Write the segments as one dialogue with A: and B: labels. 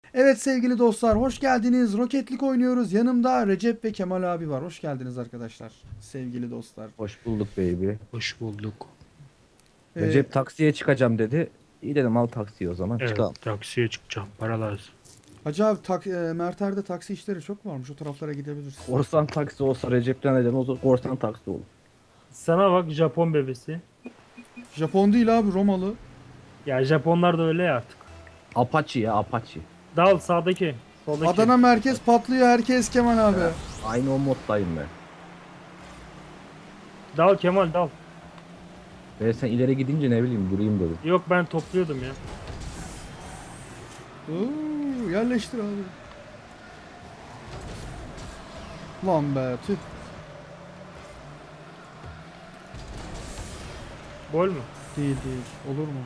A: Evet sevgili dostlar, hoş geldiniz. Rocket League oynuyoruz. Yanımda Recep ve Kemal abi var. Hoş geldiniz arkadaşlar. Sevgili dostlar.
B: Hoş bulduk baby.
C: Hoş bulduk.
A: Ee,
B: Recep taksiye çıkacağım dedi. İyi dedim al taksiye o zaman
C: Evet,
B: çıkalım.
C: taksiye çıkacağım. Para lazım.
A: Hacı abi Merter'de taksi işleri çok varmış. O taraflara gidebiliriz.
B: Korsan taksi olsa Recep'ten neden o zaman korsan taksi olur.
C: Sana bak Japon bebesi.
A: Japon değil abi, Romalı.
C: Ya Japonlar da öyle ya artık.
B: Apache ya Apache.
C: Dal sağdaki. Soldaki.
A: Adana merkez patlıyor herkes Kemal abi.
B: Aynı o moddayım ben.
C: Dal Kemal dal.
B: Ben sen ileri gidince ne bileyim durayım dedim.
C: Yok ben topluyordum ya.
A: Oo, yerleştir abi. Lan be tüh.
C: Gol mü?
A: Değil değil. Olur mu?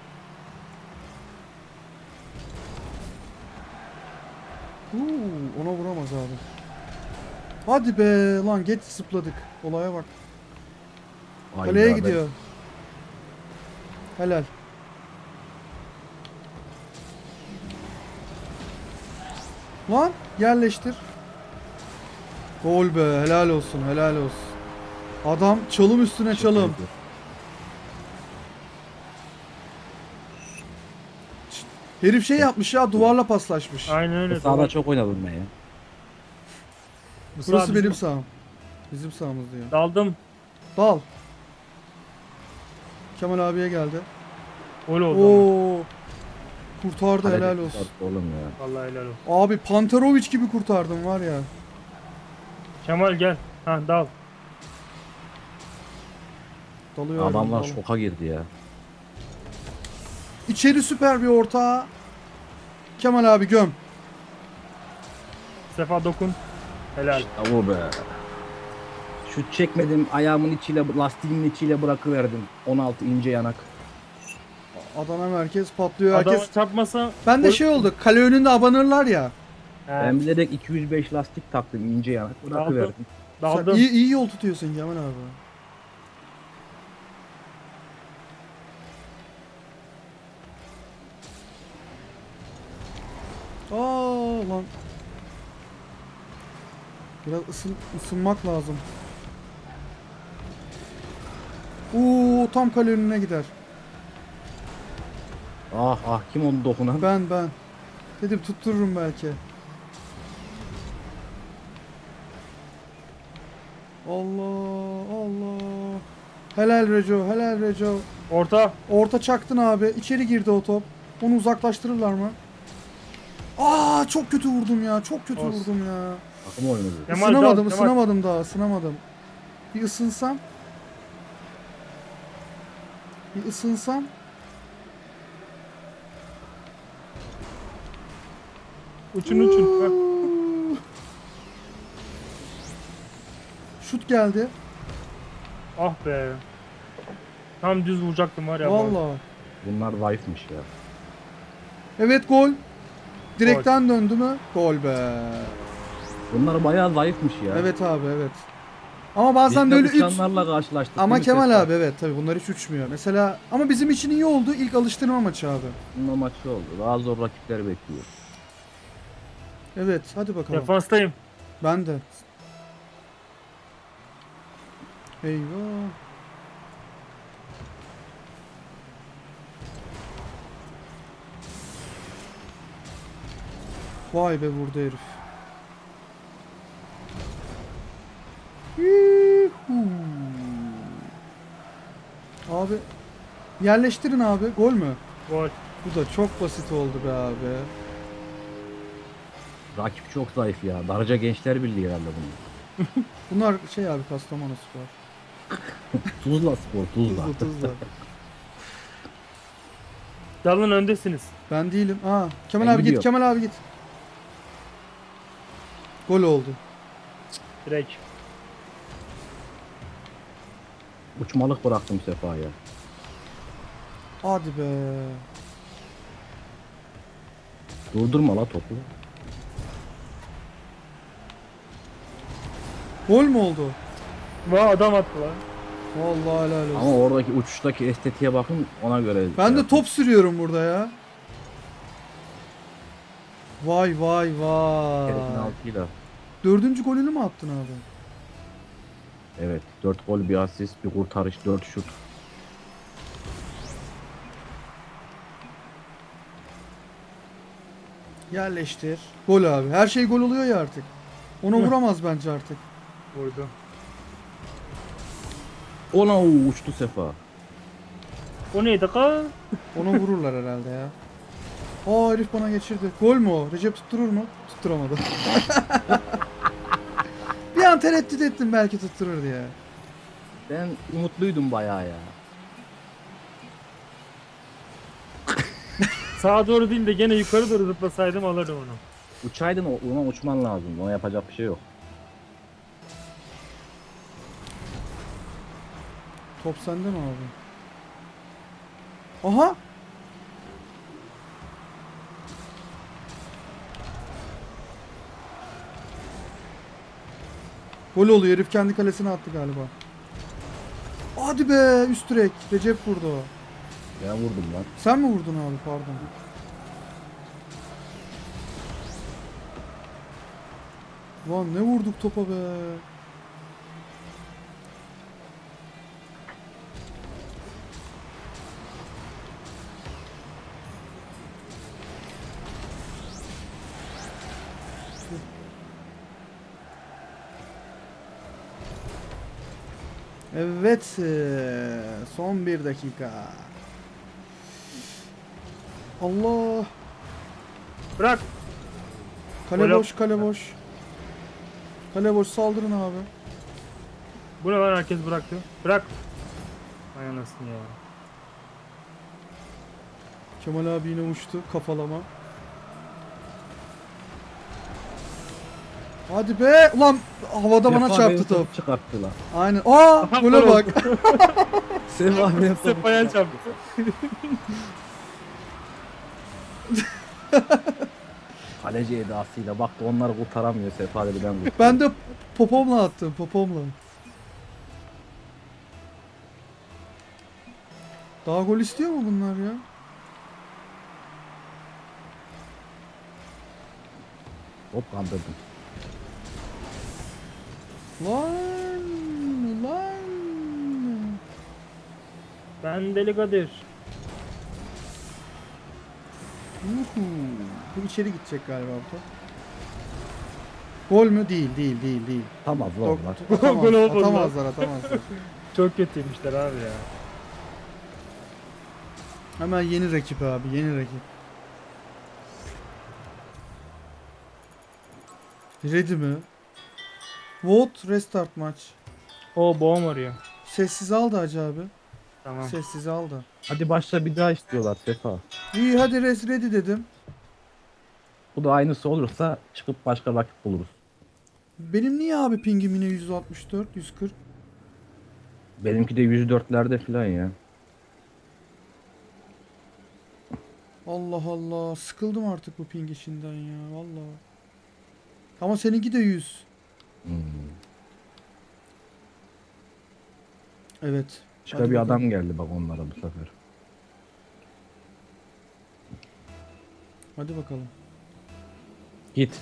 A: Ona vuramaz abi. Hadi be lan, geç zıpladık. Olaya bak. Kaleye
B: Hayda,
A: gidiyor. Helal. Lan yerleştir. Gol be, helal olsun, helal olsun. Adam çalım üstüne çalım. Herif şey yapmış ya, duvarla paslaşmış.
C: Aynen
B: Ben
C: öyle.
B: sahada çok oynadım ben ya.
C: Bu sağ
A: Burası
C: bizim.
A: benim saham. Bizim sahamız diyor.
C: Daldım.
A: Dal. Kemal abiye geldi.
C: Gol oldu ama.
A: Oo. Kurtardı,
B: Kalede
A: helal olsun.
B: kurtardı oğlum ya.
C: Vallahi helal olsun.
A: Abi Panterovic gibi kurtardım var ya.
C: Kemal gel. Ha dal.
A: Dalıyorum.
B: Adamlar
A: dalıyorum.
B: şoka girdi ya.
A: İçeri süper bir orta. Kemal abi göm.
C: Sefa dokun. Helal.
B: İşte bu be. Şut çekmedim ayağımın içiyle lastiğimin içiyle bırakıverdim. 16 ince yanak.
A: Adana merkez patlıyor
C: Adama
A: herkes.
C: çarpmasa.
A: Ben de
C: gol-
A: şey oldu. Kale önünde abanırlar ya.
C: He,
B: Ben bilerek 205 lastik taktım ince yanak bırakıverdim.
A: Sen
C: daldım.
A: iyi yol tutuyorsun Kemal abi. Aa lan. Biraz ısınmak lazım. Tam kale önüne gider.
B: Ah ah kim onu dokunan?
A: Ben. Dedim tuttururum belki. Allah Allah. Helal Reco, helal Reco.
C: Orta.
A: Orta çaktın abi. İçeri girdi o top. Onu uzaklaştırırlar mı? Çok kötü vurdum ya. Çok kötü
C: Olsun.
A: vurdum ya.
B: Takım oynadı.
C: Kemal
A: Isınamadım,
C: dal. Kemal.
A: ısınamadım daha, ısınamadım. Bir ısınsam. Bir ısınsam.
C: Uçun uçun. Ha.
A: Şut geldi.
C: Ah be. Tam düz vuracaktım var ya.
A: Vallahi.
B: Bunlar zayıfmış ya.
A: Evet, gol. Direkten döndü mü? Gol be.
B: Bunlar bayağı zayıfmış ya.
A: Evet abi, evet. Ama bazen
B: Biz
A: de
B: de
A: öyle üç.
B: uçanlarla karşılaştık.
A: Ama
B: değil mi
A: Kemal
B: Sefa?
A: abi, evet tabi bunlar hiç uçmuyor. Mesela ama bizim için iyi oldu. İlk alıştırma maçı abi.
B: Bunun maçı oldu. Daha zor rakipler bekliyor.
A: Evet, hadi bakalım.
C: Defanstayım.
A: Ben de. Eyvah. Vay be, vurdu herif. Yuhuu. Abi yerleştirin abi. Gol mü?
C: Gol.
A: Bu da çok basit oldu be abi.
B: Rakip çok zayıf ya. Darıca Gençler Birliği herhalde bunlar.
A: Bunlar şey abi, Kastamonu Spor.
B: Tuzla Spor, Tuzla.
A: Tuzla.
C: Dalın öndesiniz.
A: Ben değilim. Kemal
B: Ben
A: abi git,
B: gidiyorum.
A: Kemal abi git. Gol oldu.
C: Direkt.
B: Uçmalık bıraktım Sefa'ya.
A: Hadi be.
B: Durdurma la topu.
A: Gol mü oldu?
C: Vay adam attı lan.
A: Vallahi helal olsun.
B: Ama oradaki uçuştaki estetiğe bakın ona göre.
A: Ben de
B: yapın.
A: top sürüyorum burada ya. Vay vay
B: Herifin
A: vay.
B: altıyla.
A: Dördüncü golünü mü attın abi?
B: Evet. 4 gol, bir asist, bir kurtarış, 4 şut.
A: Yerleştir. Gol abi. Her şey gol oluyor ya artık. Ona vuramaz bence artık.
C: Vurdu.
B: Ona uçtu Sefa.
C: O neydi ka?
A: Ona vururlar herhalde ya. Aa herif bana geçirdi. Gol mü o? Recep tutturur mu? Tutturamadı. Bir an tereddüt ettim belki tutturur diye.
B: Ben umutluydum bayağı ya.
C: Sağa doğru değil de gene yukarı doğru zıplasaydım alırdım onu.
B: Uçaydın, ona uçman lazım. Ona yapacak bir şey yok.
A: Top sende mi abi? Aha! Gol oluyor. Herif kendi kalesine attı galiba. Hadi be üst direk. Recep vurdu o.
B: Ben vurdum lan.
A: Sen mi vurdun abi pardon. Lan ne vurduk topa be. Evet, son bir dakika. Allah,
C: Bırak.
A: kale
C: Gol
A: boş, kale boş. Kale boş, saldırın abi.
C: Bu ne lan, herkes bıraktı. Bırak. Ay anasını ya.
A: Kemal abi yine uçtu, kafalama. Hadi be, ulan havada bana
B: Sefa
A: çarptı
B: benim
A: top.
B: çıkarttı lan.
A: Aynen. Aa, gole
C: Gol
A: bak.
B: Sefa benim
C: Sefa'ya çarptı.
B: Kaleci edasıyla baktı, onları kurtaramıyor. Sefa dedi, ben kurtarayım.
A: Ben de popomla attım, popomla. Daha gol istiyor mu bunlar ya?
B: Hop, kandırdım.
A: Lan, lan.
C: Ben Deli Kadir.
A: Uhu. Bu içeri gidecek galiba bu top. Gol mü? Değil, değil, değil, değil.
B: Tamam lan lan.
C: Gol olmadı lan.
A: Atamazlar, atamazlar.
C: Çok kötüymüşler abi ya.
A: Hemen yeni rakip abi, yeni rakip. Ready mi? Vote restart maç.
C: O boğum arıyor.
A: Sessiz al da Hacı abi.
C: Tamam.
A: Sessiz al da.
B: Hadi başla, bir daha istiyorlar Sefa.
A: İyi hadi ready dedim.
B: Bu da aynısı olursa çıkıp başka rakip buluruz.
A: Benim niye abi pingim yine 164, 140?
B: Benimki de 104'lerde falan ya.
A: Allah Allah, sıkıldım artık bu ping işinden ya vallahi. Ama seninki de 100.
B: Hmm.
A: Evet.
B: Başka
A: hadi
B: bir
A: bakalım.
B: adam geldi bak onlara bu sefer.
A: Hadi bakalım.
B: Git.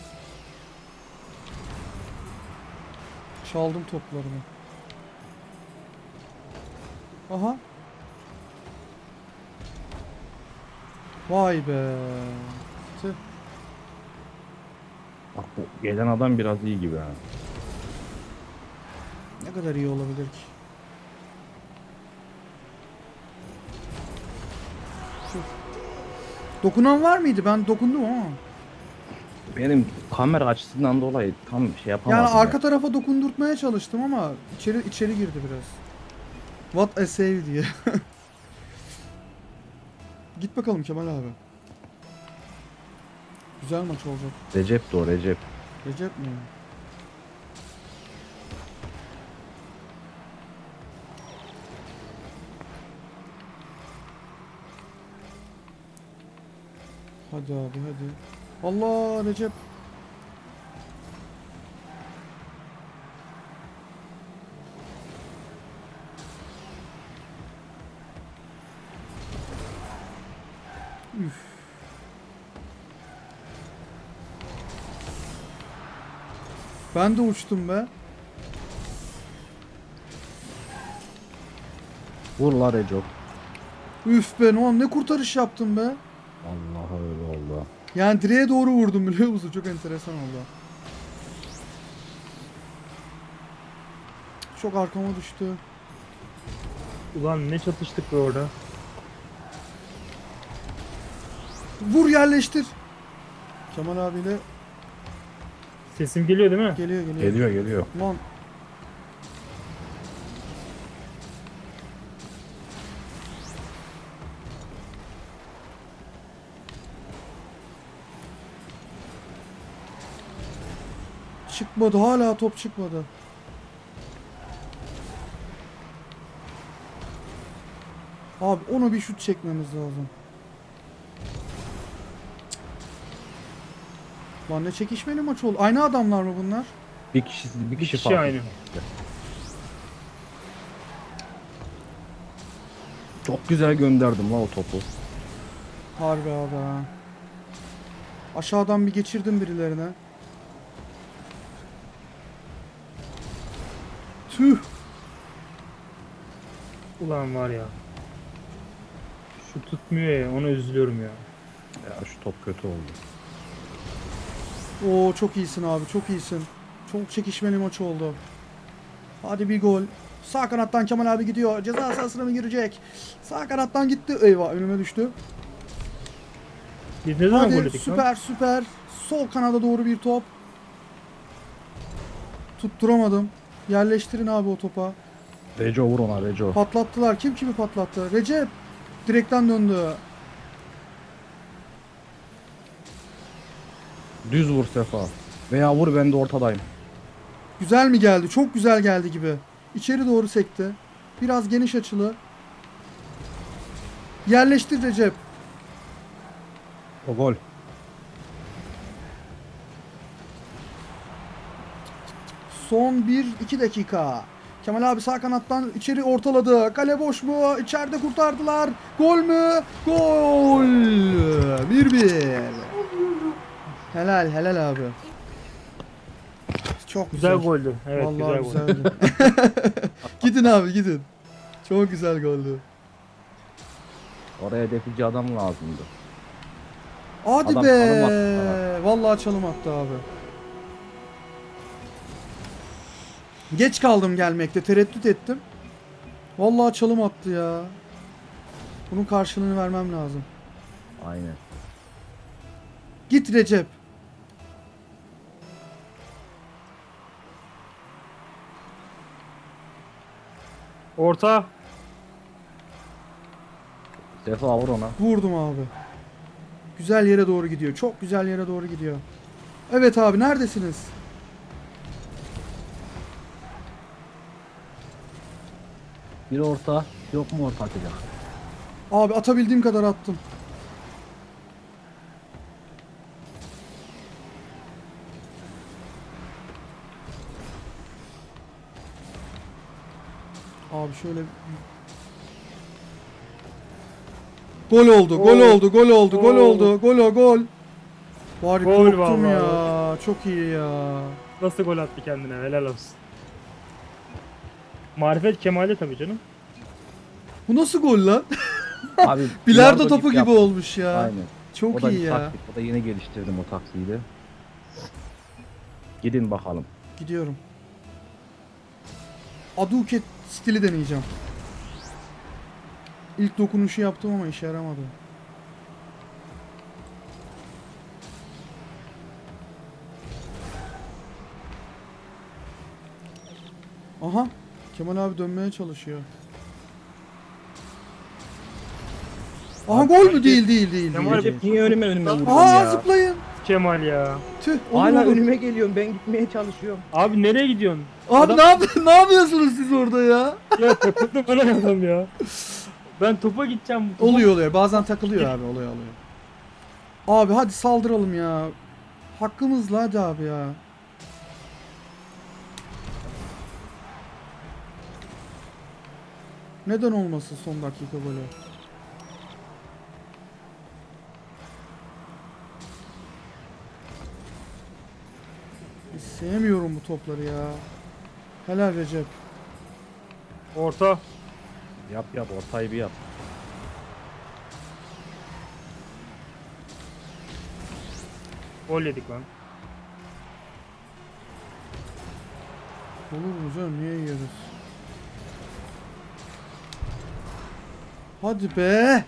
A: Çaldım toplarını. Aha. Vay be. Tüh.
B: Bak bu gelen adam biraz iyi gibi ha.
A: Ne kadar iyi olabilir ki? Tüh. Dokunan var mıydı? Ben dokundum ama.
B: Benim kamera açısından dolayı tam şey yapamadım.
A: Yani
B: ya.
A: arka tarafa dokundurtmaya çalıştım ama içeri girdi biraz. What a save diye. Git bakalım Kemal abi. Güzel maç olacak.
B: Recep de o, Recep.
A: Recep mi? Hadi abi hadi. Allah Recep. Üf. Ben de uçtum be.
B: Vur la Reco.
A: Üf be oğlum ne kurtarış yaptım be.
B: Allah öyle oldu.
A: Yani direğe doğru vurdum biliyor musun? Çok enteresan oldu. Çok arkama düştü.
C: Ulan ne çatıştık be orada.
A: Vur yerleştir. Kemal abiyle
C: Sesim geliyor değil mi?
A: geliyor.
B: Geliyor.
A: Lan. Çıkmadı hala top çıkmadı. Abi onu bir şut çekmemiz lazım. Lan ne çekişmeli maç oldu. Aynı adamlar mı bunlar?
B: Bir kişi
C: kişi
B: fark
C: aynı.
B: etti. Çok güzel gönderdim la o topu.
A: Harbi abi ha. Aşağıdan bir geçirdim birilerine. Tüh.
C: Ulan var ya. Şu tutmuyor ya, ona üzülüyorum ya.
B: Ya şu top kötü oldu.
A: Oo çok iyisin abi çok iyisin. Çok çekişmeli maç oldu. Hadi bir gol. Sağ kanattan Kemal abi gidiyor. Ceza sahasına mı girecek? Sağ kanattan gitti. Eyvah önüme düştü.
C: Biz ne zaman gol
A: Hadi
C: yedik lan?
A: süper. Sol kanada doğru bir top. Tutturamadım. Yerleştirin abi o topa.
B: Reco vur ona Reco.
A: Patlattılar. Kim kimi patlattı? Recep. Direkten döndü.
B: Düz vur Sefa. Veya vur ben de ortadayım.
A: Güzel mi geldi? Çok güzel geldi gibi. İçeri doğru sekti. Biraz geniş açılı. Yerleştir Recep.
B: O gol.
A: Son 1-2 dakika. Kemal abi sağ kanattan içeri ortaladı. Kale boş mu? İçeride kurtardılar. Gol mü? Gol! 1-1. Helal abi. Çok
C: Güzel
A: güzel.
C: goldü. Evet
A: Vallahi
C: güzel gol.
A: güzeldi. Gidin abi gidin. Çok güzel goldü.
B: Oraya defici adam lazımdı.
A: Hadi
B: Adam
A: be.
B: çalım attı
A: Vallahi çalım attı abi. Geç kaldım gelmekte. Tereddüt ettim. Vallahi çalım attı ya. Bunun karşılığını vermem lazım.
B: Aynen.
A: Git Recep.
C: Orta.
B: Sefa vur ona.
A: Vurdum abi. Güzel yere doğru gidiyor. Çok güzel yere doğru gidiyor. Evet abi neredesiniz?
B: Bir orta. Yok mu orta atacak?
A: Abi atabildiğim kadar attım. Abi şöyle gol oldu, gol
C: Oo.
A: oldu, gol oldu, gol
C: Oo.
A: oldu, gol. Var ya,
C: Gol
A: korktum
C: vallahi.
A: ya. Çok iyi ya.
C: Nasıl gol attı kendine, helal olsun. Marifet Kemal'de tabii canım.
A: Bu nasıl gol lan?
B: Abi
A: Bilardo topu gibi
B: yaptı.
A: olmuş ya.
B: Aynen.
A: Çok
B: O da
A: iyi
B: bir
A: ya.
B: taktik. O da yeni geliştirdim o taktiği de. Gidin bakalım.
A: Gidiyorum. Aduket stili deneyeceğim. İlk dokunuşu yaptım ama işe yaramadı. Aha. Kemal abi dönmeye çalışıyor. Aha gol mü? Değil.
C: Kemal abi
B: Niye önüme vurdun
A: Aa
B: ya?
A: zıplayın.
C: Kemal ya.
A: Tüh. olur,
B: Hala
A: olur.
B: önüme geliyorum. Ben gitmeye çalışıyorum.
C: Abi nereye gidiyorsun?
A: Abi ne yapıyorsunuz siz orada ya?
C: Ya takıldı bana adam ya. Ben topa gideceğim.
A: Oluyor. Bazen takılıyor abi. Oluyor. Abi hadi saldıralım ya. Hakkımızla hadi abi ya. Neden olmasın son dakika golü? Sevmiyorum bu topları ya. Helal Recep.
C: Orta.
B: Yap ortayı bir yap.
C: Gol yedik lan.
A: Olur mu canım, niye yiyoruz? Hadi be.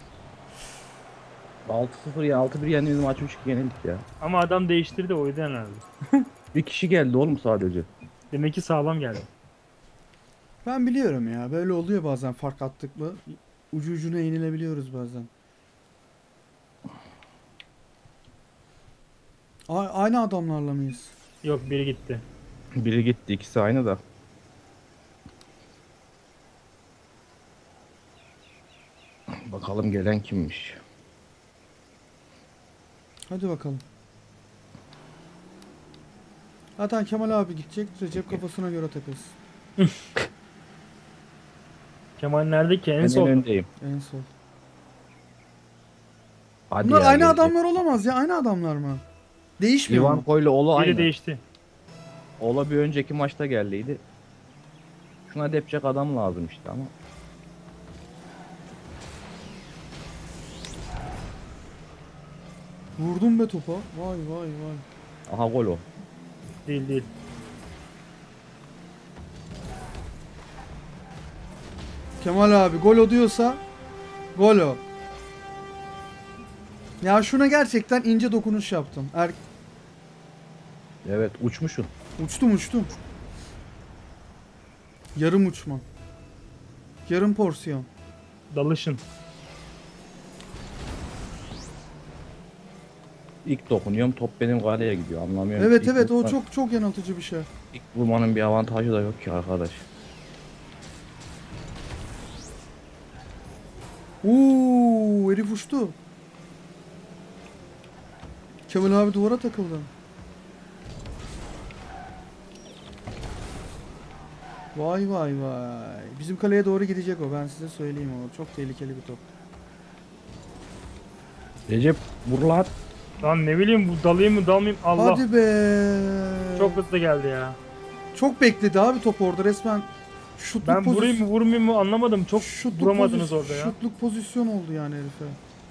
B: 6-0 ya 6-1 yendiğimiz maç 3-2 yenildik ya.
C: Ama adam değiştirdi o yüzden herhalde.
B: Bir kişi geldi oğlum sadece.
C: Demek ki sağlam geldi.
A: Ben biliyorum ya, böyle oluyor bazen, fark attık mı ucu ucuna yenilebiliyoruz bazen. Aynı adamlarla mıyız?
C: Yok biri gitti.
B: Biri gitti, ikisi aynı da. Bakalım gelen kimmiş.
A: Hadi bakalım. Zaten Kemal abi gidecek, Recep kafasına göre takılsın.
C: Kemal nerede ki? En
B: Ben en
C: son.
B: öndeyim.
A: En son.
B: Hadi
A: Bunlar
B: ya,
A: aynı
B: gelecek.
A: adamlar olamaz ya, aynı adamlar mı? Değişmiyor mu?
B: Ivanko ile Ola
C: Biri
B: aynı.
C: değişti.
B: Ola bir önceki maçta geldiydi. Şuna depecek adam lazım işte ama.
A: Vurdum be topa. Vay vay vay.
B: Aha gol o.
C: Değil değil.
A: Kemal abi gol o diyorsa gol o. Ya şuna gerçekten ince dokunuş yaptım.
B: Evet uçmuşsun.
A: Uçtum. Yarım uçma. Yarım porsiyon.
C: Dalışın.
B: İlk dokunuyorum top benim kaleye gidiyor anlamıyorum.
A: Evet
B: İlk
A: evet, o
B: vurma-
A: çok yanıltıcı bir şey.
B: İlk vurmanın bir avantajı da yok ki arkadaş.
A: Herif uçtu. Kemal abi duvara takıldı. Vay vay vay. Bizim kaleye doğru gidecek o, ben size söyleyeyim o. Çok tehlikeli bir top.
B: Recep vur lan.
C: Lan ne bileyim bu dalayım mı dalmayayım Allah.
A: Hadi be.
C: Çok hızlı geldi ya.
A: Çok bekledi abi top orada resmen. Şutluk
C: Ben vurayım mı vurmayayım mı anlamadım. Çok vuramadınız orada ya.
A: Şutluk pozisyon oldu yani herife.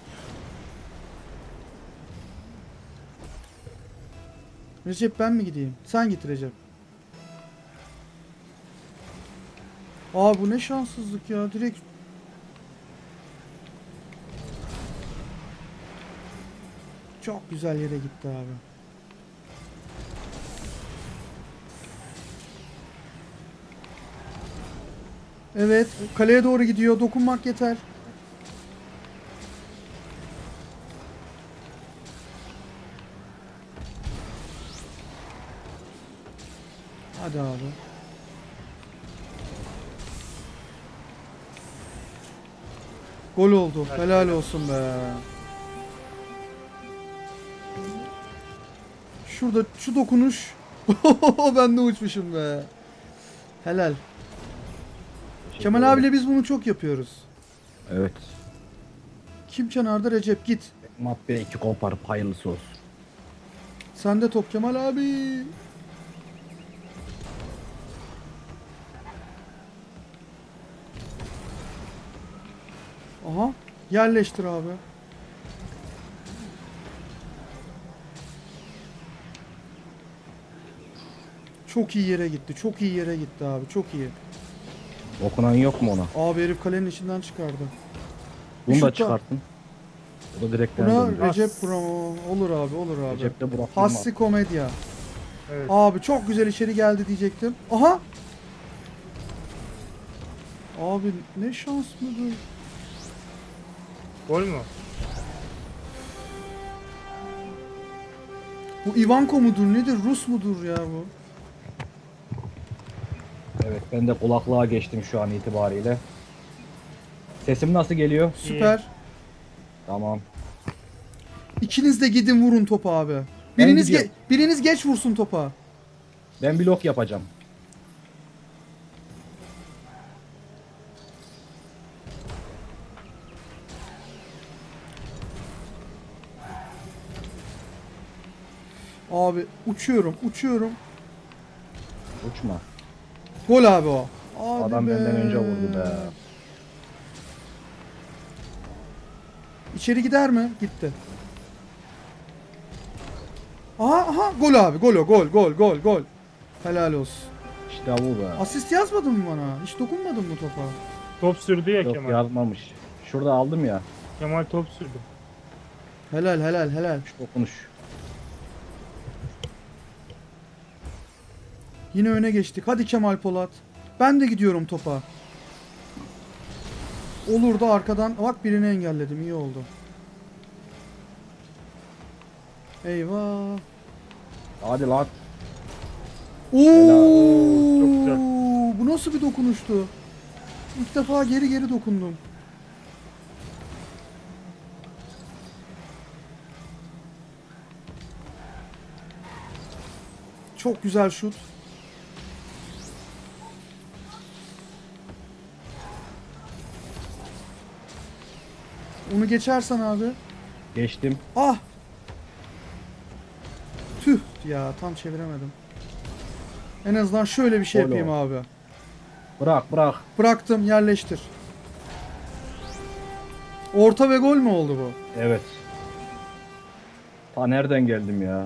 A: Recep ben mi gideyim? Sen git Recep. Aa bu ne şanssızlık ya, direkt. Çok güzel yere gitti abi. Evet, kaleye doğru gidiyor. Dokunmak yeter. Hadi abi. Gol oldu. Helal olsun be. Şurada şu dokunuş. Ben de uçmuşum be. Helal. Kemal abiyle biz bunu çok yapıyoruz.
B: Evet.
A: Kim kenarda? Recep git.
B: Mapbe 2 koparıp hayırlısı olsun.
A: Sende top Kemal abi. Aha. Yerleştir abi. Çok iyi yere gitti. Çok iyi yere gitti abi. Çok iyi.
B: Okunan yok mu ona?
A: Abi herif kalenin içinden çıkardı.
B: Bunu
A: Şutta.
B: da çıkarttın. O da direkt
A: Buna
B: döndü.
A: Recep Bravo. Olur abi, olur abi.
B: Recep de Burak
A: Hassi komedya.
C: Evet.
A: Abi çok güzel içeri geldi diyecektim. Aha. Abi ne şans mıdır?
C: Gol mü?
A: Bu Ivanko mudur nedir? Rus mudur ya bu?
B: Evet ben de kulaklığa geçtim şu an itibariyle. Sesim nasıl geliyor?
A: Süper.
B: Tamam.
A: İkiniz de gidin vurun topa abi.
B: Ben
A: Biriniz
B: gidiyorum.
A: biriniz geç vursun topa.
B: Ben blok yapacağım.
A: Abi uçuyorum.
B: Uçma.
A: Gol abi o. Hadi
B: Adam
A: be.
B: benden önce vurdu be.
A: İçeri gider mi? Gitti. Aha gol abi. Gol o. Gol. Helal olsun.
B: İşte bu be.
A: Asist yazmadın mı bana? Hiç dokunmadın mı topa?
C: Top sürdü ya
B: Yok
C: Kemal.
B: yazmamış. Şurada aldım ya.
C: Kemal top sürdü.
A: Helal.
B: Şu dokunuş.
A: Yine öne geçtik. Hadi Kemal Polat. Ben de gidiyorum topa. Olur da arkadan. Bak birini engelledim. İyi oldu. Eyvah.
B: Hadi lan.
A: Oo!
C: Çok güzel.
A: Bu nasıl bir dokunuştu? İlk defa geri dokundum. Çok güzel şut. Onu geçersen abi.
B: Geçtim.
A: Ah! Tüh ya tam çeviremedim. En azından şöyle bir şey
B: Gol o.
A: yapayım abi.
B: Bırak.
A: Bıraktım yerleştir. Orta ve gol mü oldu bu?
B: Evet. Ta nereden geldim ya?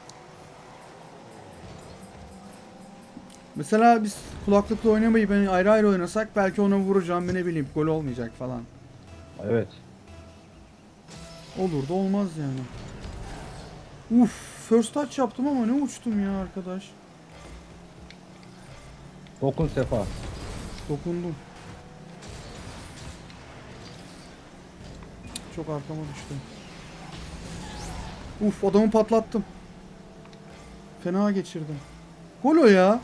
A: Mesela biz kulaklıkla oynamayı ben ayrı ayrı oynasak belki ona vuracağım ne bileyim gol olmayacak falan.
B: Evet.
A: Olur da olmaz yani. Uf, first touch yaptım ama ne uçtum ya arkadaş.
B: Dokun Sefa.
A: Dokundum. Çok arkama düştü. Uf, adamı patlattım. Fena geçirdim. Gol o ya.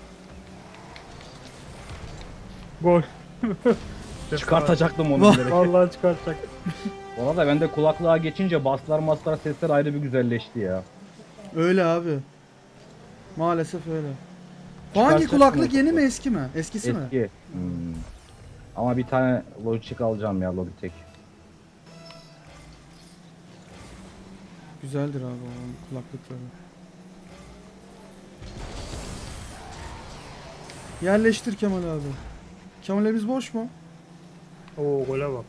C: Gol.
B: Çıkartacaktım onu
A: Vah.
B: bilerek.
C: Vallahi çıkartacak.
B: Bu arada bende kulaklığa geçince baslar sesler ayrı bir güzelleşti ya.
A: Öyle abi. Maalesef öyle. Bu hangi
B: Çıkartacaksın
A: kulaklık
B: o
A: yeni
B: topu.
A: mi eski mi? Eskisi mi?
B: Eski. Ama bir tane Logitech alacağım ya Logitech.
A: Güzeldir abi o kulaklıkları. Yerleştir Kemal abi. Kemal'imiz boş mu?
C: Oo gole bak.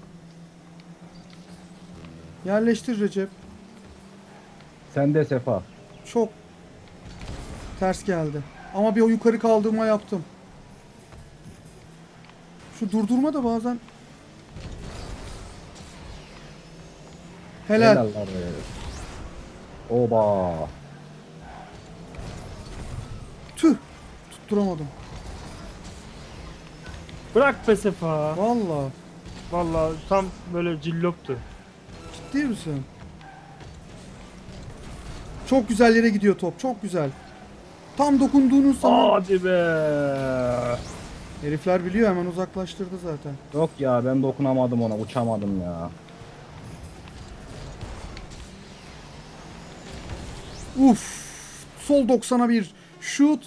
A: Yerleştir Recep.
B: Sen de Sefa.
A: Çok ters geldi. Ama bir o yukarı kaldırma yaptım. Şu durdurma da bazen. Helal.
B: Helaller be. Oba.
A: Tüh. Tutturamadım.
C: Bırak be Sefa.
A: Vallahi.
C: Vallahi tam böyle cilloptu.
A: Ciddi misin? Çok güzel yere gidiyor top. Çok güzel. Tam dokunduğunuz zaman
C: Hadi be.
A: herifler biliyor hemen uzaklaştırdı zaten.
B: Yok ya ben dokunamadım ona uçamadım ya.
A: Uf. Sol 90'a bir şut.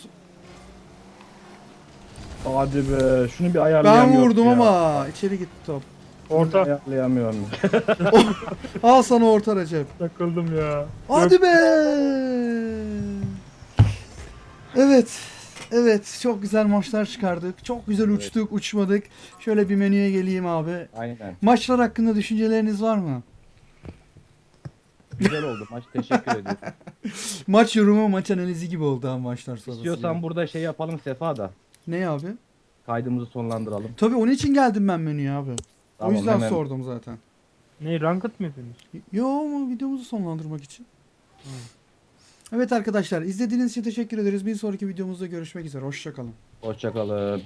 B: Hadi be şunu bir
A: Ben
B: ayarlayamıyorum
A: vurdum
B: ya.
A: ama içeri gitti top.
C: Orta.
B: Ayarlayamıyorum.
A: Al sana orta Recep.
C: Takıldım ya.
A: Hadi be. Evet. Evet, çok güzel maçlar çıkardık. Çok güzel uçtuk, uçmadık. Şöyle bir menüye geleyim abi.
B: Aynen.
A: Maçlar hakkında düşünceleriniz var mı?
B: Güzel oldu maç teşekkür ediyorum.
A: Maç yorumu, maç analizi gibi oldu ha maçlar sonrası.
B: İstiyorsan burada şey yapalım Sefa da.
A: Ne abi?
B: Kaydımızı sonlandıralım.
A: Tabii onun için geldim ben menüye abi.
B: Tamam,
A: o yüzden
B: hemen.
A: sordum zaten.
C: Ne ranked mı yapıyorsunuz?
A: Yo ama videomuzu sonlandırmak için. Evet arkadaşlar izlediğiniz için teşekkür ederiz. Bir sonraki videomuzda görüşmek üzere. Hoşçakalın.
B: Hoşçakalın.